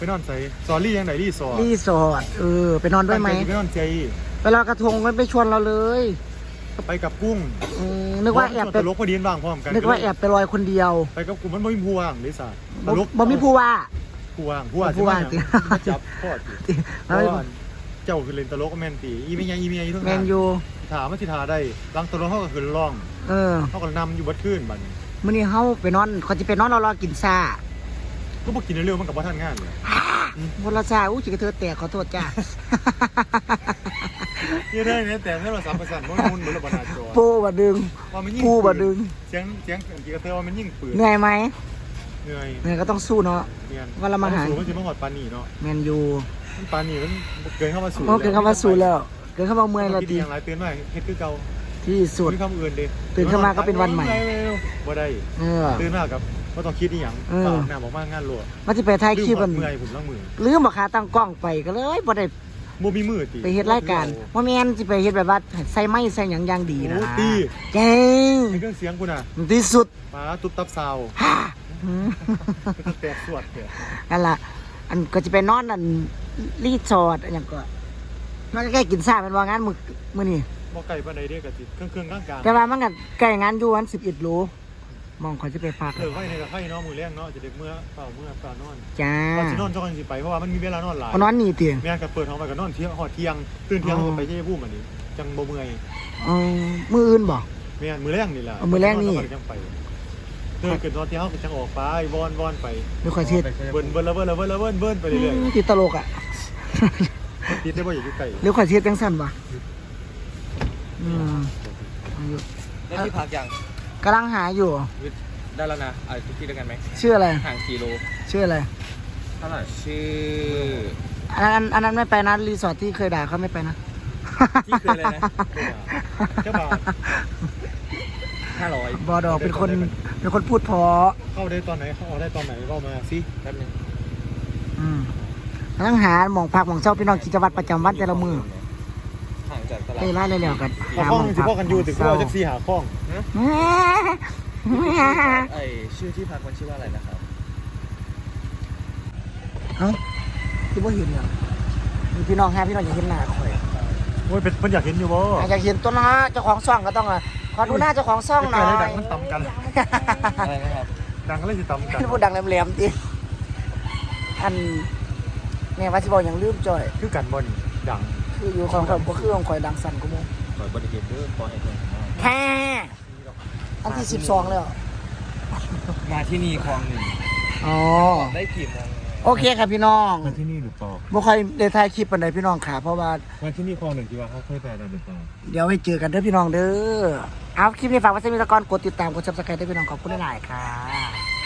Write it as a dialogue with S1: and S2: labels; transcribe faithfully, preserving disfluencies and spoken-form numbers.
S1: ไปนอนใส่ซอรี่ยังไหนรีสอร์ท
S2: รีสอร์ทเออไปนอนด้วยไหม
S1: ไปนอนใจ
S2: ไปลอยกระทงมันไปชวนเราเลย
S1: ไปกับกุ้ง
S2: นึกว่าแอบไป
S1: ตลกพอดีบ้างพร้อมกัน
S2: นึกว่าแอบไปลอยคนเดียว
S1: ไปกับกุ้งมันไม่มีผู้ว่างเลยสัตว์ตลก
S2: บ่มีผู้ว่า
S1: ผู้ว่างผู้ว่างผู้ว่างจับพ่อตีเจ้าคือเล่นตลกก็แมนตีอีเมียอีเมียอยู่ทั้งนั้นแมนยูถามว่าที่ทาได้ลังตลกเขาก็คือร้องเออเขาก็นำอยู่บัดขึ้นบัดนี้
S2: มื้อนี้เขาไปนอนเขาจะไปนอนรอรอกินซ่า
S1: ก็บอกกินเร็วๆมันกับว่าท่านงานเลย
S2: บนราชาอู้จิกระเธอแตกขอโทษจ้า
S1: เยอะเลยเนี่ยแต่ถ้าเราสามประสานมันมุนเหมือนระเบิดนาจอ
S2: ปูบะดึงปูบะดึง
S1: เสียงเสียงจิกระเธอว่ามันยิ่งปืน
S2: เหนื่อยไหม
S1: เหนื่อย
S2: เหนื่อยก็ต้องสู้เนาะว่าเรามาหา
S1: สู้มันจะมาหอดปานีเนาะ
S2: แมนยู
S1: ปานีมันเกินเข้ามาสู้
S2: เกินเข้ามาสู้แล้วเกินเข้ามาเมื่อยแล้ว
S1: ตีอย่างไรตื่นมาเฮ็ดคือเก่า
S2: ที่สุด
S1: คำอื่นดิ
S2: ตื่นขึ้นมาก็เป็นวันใหม่
S1: บ่ได้ตื่นมากับก็ต้องคิดอีหยังเปล่าหน้าบอกว่างานรัว
S2: มันจะไปถ่ายคลิปมัน
S1: เมื่อยผมล้างมือ
S2: ลืมบ่ขาตั้งกล้องไปก็เลยบ่ได้
S1: บ่มีมือตี
S2: ไปเฮ็ดรายการบ่แม่นสิไปเฮ็ดแบบว่าใส่ไม้ใส่หยังอย่างดีนะ
S1: ตี
S2: เก่ง
S1: เครื่องเสียงกูน่ะ
S2: ที่สุด
S1: มาตุ๊บตับซาวแตกสวดแตก
S2: นั่นล่ะอันก็จะไปนอนอันรีสอร์ทอันหยังก็มันใกล้กินซ่าเป็นว่างานมื้อมื้อนี้
S1: บ่ไกลปานใดเด้ก็สิเครื่องๆกลางๆ
S2: แต่ว่ามันก็ใกล้งานอยู่วันสิบเอ็ดโลมองเขาจะไปพัก
S1: เออไว้ในกับไข่เนาะมื้อแรงเนาะจะเด็กเมื่อเฝ้าเมื่อเฝ้านอน
S2: จ้า
S1: ว่าสินอนจ้องสิไปเพราะว่ามันมีเวลานอนหลาย
S2: นอนนี่ติ
S1: แม่ก็เปิดห้องไปก็นอนเที่ยงฮอดเที่ยงตื่นเที่ยงก็ไปเที่ยวภูมิอันนี้จังบ่เมื่อย
S2: อ๋อมื้ออื่นบ่
S1: แม่นมื้อแรงนี่ล่ะ
S2: มื้อแรงนี่
S1: จังไปเดินขึ้นนอนเที่ยงก็จังออกไปวอนๆไป
S2: ไม่ค่อยเฮ็ด
S1: เบิ่นเบิ่นแล้วเบิ่นแล้วเบิ่นแล้วเบิ่นเบิ่นไปเรื่อย
S2: ๆติดตลกอ่ะ
S1: ติดได้บ่อยู่ใกล้
S2: หรือค่อยเฮ็ดจังซั่นบ่อืม
S3: ได้ที่พักยัง
S2: กำลังหาอยู่
S3: ได้แล้วนะเอาทุกที่ด้วยกันไหม
S2: ชื่ออะไร
S3: ห่างกิโล
S2: ชื่ออะไร
S3: เท่าไหร่ชื่อ
S2: อันนั้นอันนั้นไม่ไปนะรีสอร์ทที่เคยด่าเขาไม่ไปนะ
S3: ที่เคยเลยนะ
S1: เจ้าบ่าว
S3: ห้าร้อย
S2: บอดอกเป็นคนเป็นคนพูดพอ
S1: เข้าได้ตอนไหนเข้าออกได้ตอนไหนก็มาสิ
S3: แป๊บนึง
S2: อืมกำลังหาหมองพักหมองเช่าพี่น้องกิจวัตรประจำวันแต่ละมือ
S3: ห่างจากตลาด
S2: ไปร้านเร็วๆกัน
S1: หาหมองพักกันอยู่ถึงเราจะสี่หาข้อง
S3: ไอชื่อที่พักมันชื่อว่าอะไรนะครับ
S2: เอ้าที่ว่าเห็นเหรอมีพี่น้องแฮพี่น้องอยากเห็นหน้าคอย
S1: โอ้ยเป็นมันอยากเห็นอยู่บ่
S2: อยากเห็นตัวนะเจ้าของซ่องก็ต้องอ่ะขอดูหน้าเจ้าของซ่องหน่อย
S1: ดังมันต่ำกัน
S3: อะไรนะครับ
S1: ดังก็เลยจะต่ำกัน
S2: พูดดังแหลมๆดิอันเนี่ยว่าสิบอกอย่างลืมจ่อย
S1: คือกันบ่นี่ดัง
S2: คืออยู่ของข่อยบ่คือของข่อยดังสั่นกูมั้ง
S3: ข่อยบ่ได้เห็นเด้อขอให้เพิ่น
S2: แค่อันที่สิบสองแล้ว
S3: มาที่นี่คลองหนึ่ง
S2: อ๋อ
S3: ได้กี่โมง
S2: โอเคครับพี่น้อง
S1: มาที่นี่หรือเปล่า
S2: บ่ค่อยได้ถ่ายคลิปปานใดพี่น้องค่ะเพราะว่า
S1: มาที่นี่คลองหนึ่งที่ว่าเขาเคยไปแล้วหรือเปล่า
S2: เดี๋ยวให้เจอกันเด้อพี่น้องเด้อเอาคลิปนี้ฝากไว้ซะมีตะกอนกดติดตามกด Subscribe ด้วยพี่น้องขอบคุณหลายๆค่ะ